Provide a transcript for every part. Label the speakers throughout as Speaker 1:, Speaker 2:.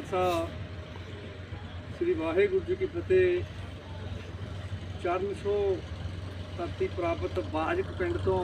Speaker 1: खालसा श्री वाहेगुरु जी की फतेह। चरण छो धरती प्राप्त बाजक पिंड तो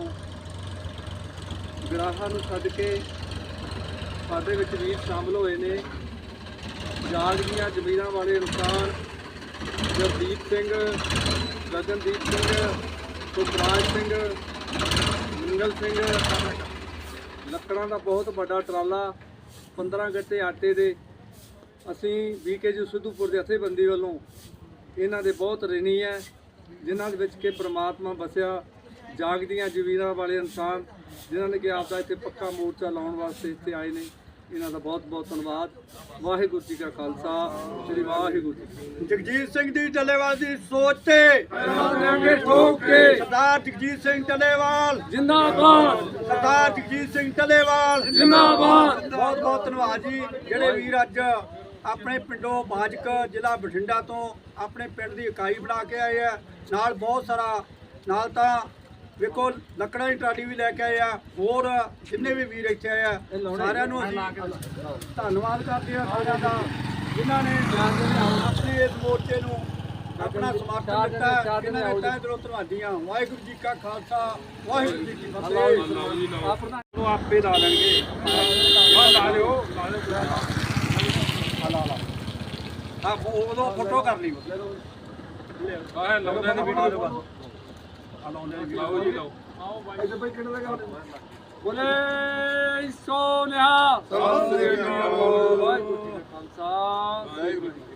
Speaker 1: विराहा नूं छड्ड के साडे विच वीर शामिल होए ने। जाग दीआं जमीनां वाले इंसान जगदीप सिंह, गगनदीप सिंह, सुखराज सिंह, मंगल सिंह। ਲੱਕੜਾਂ ਦਾ ਬਹੁਤ ਵੱਡਾ ਟਰਾਲਾ 15 ਗੱਟੇ ਆਟੇ ਦੇ ਅਸੀਂ BKG ਸਿੱਧੂਪੁਰ ਦੇ ਜਥੇਬੰਦੀ ਵੱਲੋਂ ਇਹਨਾਂ ਦੇ ਬਹੁਤ ਰਿਣੀ ਹੈ, ਜਿਨ੍ਹਾਂ ਦੇ ਵਿੱਚ ਕਿ ਪ੍ਰਮਾਤਮਾ ਵਸਿਆ। ਜਾਗਦੀਆਂ ਜ਼ਮੀਰਾਂ ਵਾਲੇ ਇਨਸਾਨ ਜਿਨ੍ਹਾਂ ਨੇ ਕਿ ਆਪਦਾ ਇੱਥੇ ਪੱਕਾ ਮੋਰਚਾ ਲਾਉਣ ਵਾਸਤੇ ਇੱਥੇ ਆਏ ਨੇ, ਇਹਨਾਂ ਦਾ ਬਹੁਤ ਬਹੁਤ ਧੰਨਵਾਦ। ਵਾਹਿਗੁਰੂ ਜੀ ਕਾ ਖਾਲਸਾ ਸ੍ਰੀ ਵਾਹਿਗੁਰੂ ਜੀ।
Speaker 2: ਜਗਜੀਤ ਸਿੰਘ ਦੀ ਟੱਲੇਵਾਲ ਦੀ ਸੋਚ ਤੇ
Speaker 1: ਠੋਕ ਕੇ
Speaker 2: ਸਰਦਾਰ ਜਗਜੀਤ ਸਿੰਘ ਟੱਲੇਵਾਲ
Speaker 1: ਜਿੰਦਾਬਾਦ,
Speaker 2: ਸਰਦਾਰ ਜਗਜੀਤ ਸਿੰਘ ਟੱਲੇਵਾਲ
Speaker 1: ਜਿੰਦਾਬਾਦ।
Speaker 2: ਬਹੁਤ ਬਹੁਤ ਧੰਨਵਾਦ ਜੀ, ਜਿਹੜੇ ਵੀਰ ਅੱਜ ਆਪਣੇ ਪਿੰਡੋਂ ਬਾਜਕ ਜ਼ਿਲ੍ਹਾ ਬਠਿੰਡਾ ਤੋਂ ਆਪਣੇ ਪਿੰਡ ਦੀ ਇਕਾਈ ਬਣਾ ਕੇ ਆਏ ਆ। ਨਾਲ ਬਹੁਤ ਸਾਰਾ ਨਾਲ ਤਾਂ ਵੇਖੋ ਲੱਕੜਾਂ ਦੀ ਟਰਾਲੀ ਵੀ ਲੈ ਕੇ ਆਏ ਆ। ਹੋਰ ਜਿੰਨੇ ਵੀ ਵੀਰ ਇੱਥੇ ਆਏ ਆ ਸਾਰਿਆਂ ਨੂੰ ਅਸੀਂ ਧੰਨਵਾਦ ਕਰਦੇ ਹਾਂ ਸਾਰਿਆਂ ਦਾ, ਜਿਨ੍ਹਾਂ ਨੇ ਆਪਣੇ ਇਸ ਮੋਰਚੇ ਨੂੰ ਆਪਣਾ ਸਮਰਥਨ ਦਿੱਤਾ। ਇਹਨਾਂ ਦੇ ਤਹਿ ਦਿਲੋਂ ਧੰਨਵਾਦੀ ਹਾਂ। ਵਾਹਿਗੁਰੂ ਜੀ ਕਾ ਖਾਲਸਾ, ਵਾਹਿਗੁਰੂ ਜੀ ਕੀ ਫਤਿਹ।
Speaker 1: ਆਪੇ ਲਾ ਲੈਣਗੇ, ਲਾ ਲਿਓ
Speaker 2: ਹਾਂ ਉਦੋਂ ਫੋਟੋ ਕਰ ਲਈ
Speaker 1: ਆਹ ਲਾਉਂਦੇ ਨੇ ਵੀਡੀਓ
Speaker 2: ਲਾਓ ਜੀ ਲਾਓ।
Speaker 1: ਬੋਲੇ ਸੋਨਿਹਾ ਸਤਿ ਸ੍ਰੀ ਅਕਾਲ। ਵਾਹਿਗੁਰੂ ਜੀ ਕਾ ਖਾਲਸਾ ਵਾਹਿਗੁਰੂ ਜੀ